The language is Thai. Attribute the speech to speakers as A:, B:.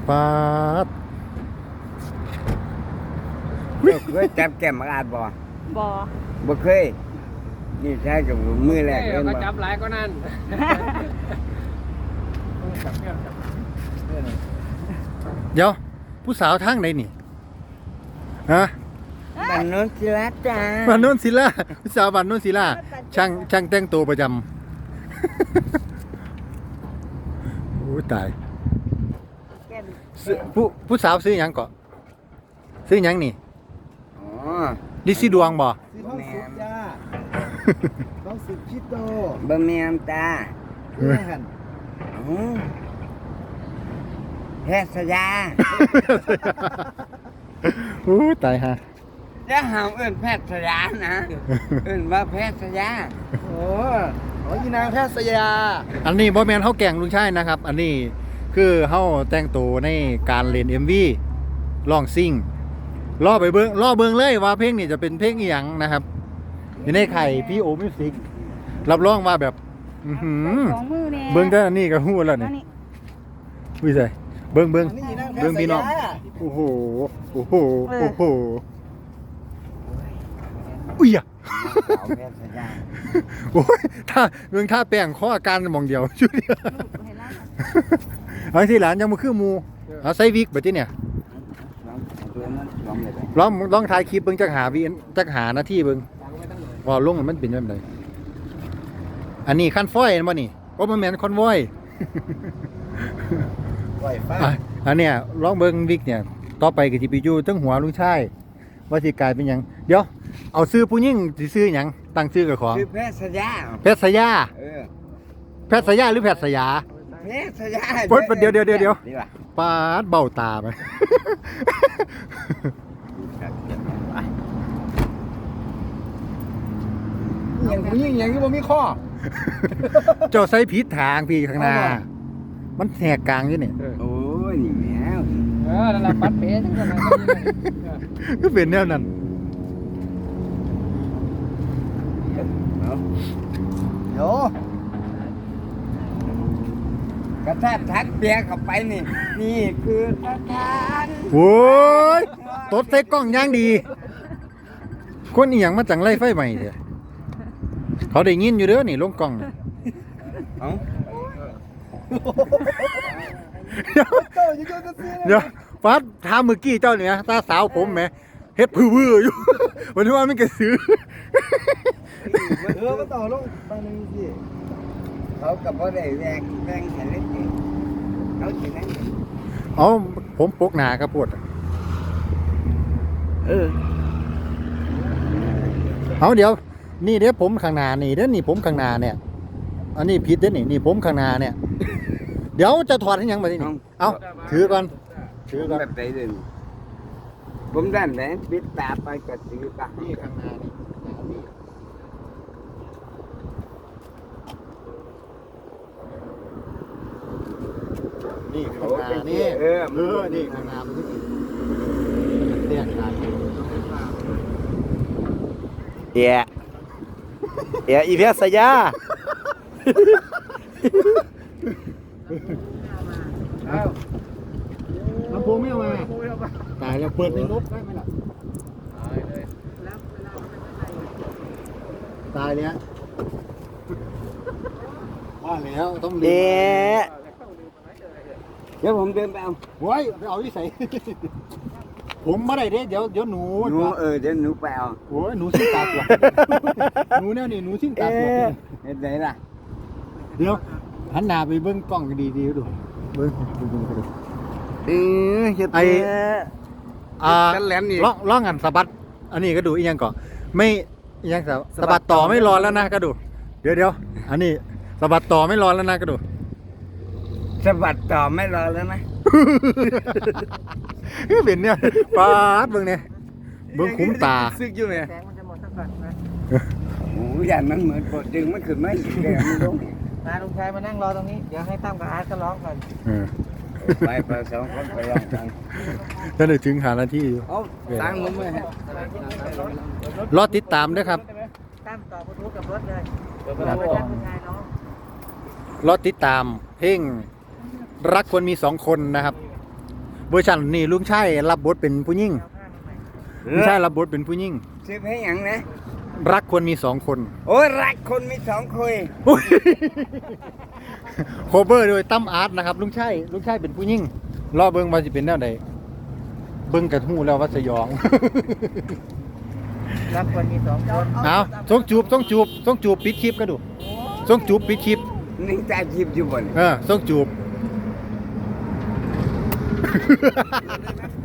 A: ปาด
B: เคยจับแก้มอาดบ่
C: บ่
B: บ่เคยนี่ใช่กับมือแรก
D: ก็
B: บ่
D: จับหลายก็นั่น
A: เดี๋ยวผู้สาวทางไหนนี่ฮะ
B: บ้านโนนศิลาจ้า
A: บ้านโน้นศิลาผู้สาวบ้านโน้นศิลาช่างแต่งตัวประจำ โอ้ตาย
C: แก้ม
A: ผู้สาวซื้อหยังเกาะซื้อหยังนี่
B: อ๋อ
A: ดิซิดวงบ่
E: ซื้อห้องสุดจ้าห้องสุดชิโต
B: บ่แม่นตา
E: เพื่อน
B: อ๋อแพทย์สยา
A: โอ้ตายฮะ
B: อย่าหามเอิ้นแพทย์สยานะเอิ้นว่าแพทย์สยา
E: โอ้ยีนางแพทย์สยา
A: อันนี้บ่แม่นเฮาแกล้งลุงชายนะครับ อันนี้คือเฮาแต่งตัวในการเล่น MV ร้องซิ่งรอเบิ่งเลยว่าเพลงนี้จะเป็นเพลงอีหยังนะครับอยู่ในไข่พี่โอมิวสิกรับรองว่าแบบอื้อหือ
C: สองมือแน่
A: เบิ่งแต่อันนี้ก็ฮู้แล้วนี่
C: อันนี้
A: วิสัยเบิ่ง
E: อันนี้ยีนางแพท
A: เบิ่ง
E: ย์ส
A: พี่น้อง
E: ยา
A: โอ้โหโอ้โหโอ้โหอุ้ยอะ
B: สาวแพทย์สยา
A: โอ้ยถ้าเบิ่งท่าแป้งข้ออาการมองเดียว ชุดเดียว
C: เห็นแล้ว
A: เอาที่หลานยังบ่คือหมู่เอาใส่วิกบัดนี้เนี่ย
B: ลองเอาตัวนั้นลองเลยไป
A: ลองถ่ายคลิปเบิ่งจักหาวิจักหานาทีเบิ่งว่าลงมันเป็นแบบใดอันนี้คันฟอยบ่นี่บ่แม่นคอนวอย
E: ปล่อยฟ้า
A: อ่ะอันเนี้ยลองเบิ่งวิกเนี่ยต่อไปก็สิไปอยู่เทั้งหัวลุงชายว่าสิกลายเป็นหยังเดี๋ยวเอาชื่อผู้หญิงสิชื่อหยังตั้งชื่อกับของ
B: คือแพทย์สยา
A: แพทย์สยา
B: เออ
A: แพทย์สยาหรือแพทย์สยา
B: แพทย์สยา
A: โอ๊ยเดี๋ยว
B: ดีกว่า
A: ปาดเบ้าตาไป
E: อย่างผู้หญิงอย่างที่บ่มีข้อ
A: เจ้าใส่ผิดทางพี่ข้างหน้า มันแหกกลางอยู่นี่
B: โอ้ยนี่แมว
D: นั่นแหละปัดเป๊ะจังเลย
A: ก็เป็นแนวนั้น
B: เอา
E: เดี๋ยว
B: กระแทกทักเปียเข้าไปนี่ นี่คือสถาน
A: โอ้ยตดใส่กล้องอย่างดี คนอีหยังมาจังไล่ไฟใหม่เถอะเขาได้ยินอยู่เด้อนี่ลงกล้องนี่
B: เอา
A: เดี๋ยว
E: เจ้าอยู่ก็ซื้อ
A: เดี๋ยวฟ้าถามเมื่อกี้เจ้าเนี่ยตาสาวผมแหมเฮ็ดพื้อๆอยู่ วันนี้ว่าไม่กระสือ
E: ก็ต่อลงไปนึงสิ
B: เขากับพ่อได้แรงแค่เล็กนี่เขาสินั่ง
A: เอาผมปกหนาครับปวด
B: เออ
A: เอาเดี๋ยว นี่เดี๋ยวผมข้างหน้านี่เดี๋ยวนี่ผมข้างหน้าเนี่ย อันนี้ผิดเด้อนี่ผมข้างหน้าเนี่ย เดี๋ยวจะถอดให้ยังมาดินี่เอาถือก่อนถือก่อน
B: แบบไหนเลยผมด้านไหนปิดตาไปก็ถือตา
A: นี่ข้างหน้านี่นี่ข้างหน้านี่นี่ข้างหน้ามันเรียกได้
E: เอียอีแพทย์สยา
A: ลำโพงไม่เอามาตายแล้วเปิดในรถได้ไหมล่ะตายแล้วว่าแล้วต้อง
E: เอี
A: เรีย
E: ย
B: เดี๋ยวผมเดินไปเอา
A: โว้ยไปเอาที่ใส่ ผมมาได้เด้เดี๋ยวหนู
B: หนูเดี๋ยวหนูไปเอา
A: โอ้ยหนูชิ้นตาตัวหนูเนี่ยนี่หนูชิ้นตาตัว
B: เห็นไหนล่ะ
A: เดี๋ยวหันหน้าไปเบิ้งกล้องดีๆดูเบิ้งดู
E: เฮ็ด
A: ไอ้
E: กันแหลมนี่
A: ล่องอันสะบัดอันนี้ก็ดูอีกอย่างก่อนไม่อีกอย่างสะบัดต่อไม่รอแล้วนะก็ดูเดี๋ยวอันนี้สะบัดต่อไม่รอแล้วนะก็ดู
B: สะบัดต่อไม่รอแล้วนะ
A: เป็นเนี่ยปาดเบิ้งเนี่ยเบิ้งคุ้มตา
E: ซึกอยู่เนี่ย
C: แสงมันจะหมดสักก่อนนะ
B: โอ้ยอย่างมันเหมือนปวดดึงมันขึ้นไม่อีกเลยมันลง
C: มาลุงชายมานั่งรอตรงนี้ เดี๋ยวให้ตั้มกับอาร์ตก็ร้องก่อน
B: ไปสองคนไปลองกัน
A: ถ้าได้ถึงหานาทีอยู่
B: เอาตังค์ผมเลยฮะ
A: รอติดตามด้วยครับ
C: ตั้มต่อบลูทูธกับรถเลยแล้วไปตั้งลุงชายน้อง
A: รอติดตามเพลงรักควรมี2 คนนะครับเวอร์ชันนี่ลุงชายรับบทเป็นผู้หญิงลุงชายรับบทเป็นผู้หญิง
B: ชื่อเพลงหยังนะ
A: รักควรมีสองคน
B: โอ้ยรักคนมีสองคน
A: โคเวอร์โดยตั้มอาร์ตนะครับลุงชายเป็นผู้หญิงรอเบิ่งว่าสิเป็นแนวใดเบิ่งกระทู้แล้วว่าสยอง
C: รักคนมีสองคน
A: เอาส่งจูบปิดคลิปก็ดูส่งจูบปิดคลิป
B: นี่ตาจีบอยู่บน
A: ส่งจูบ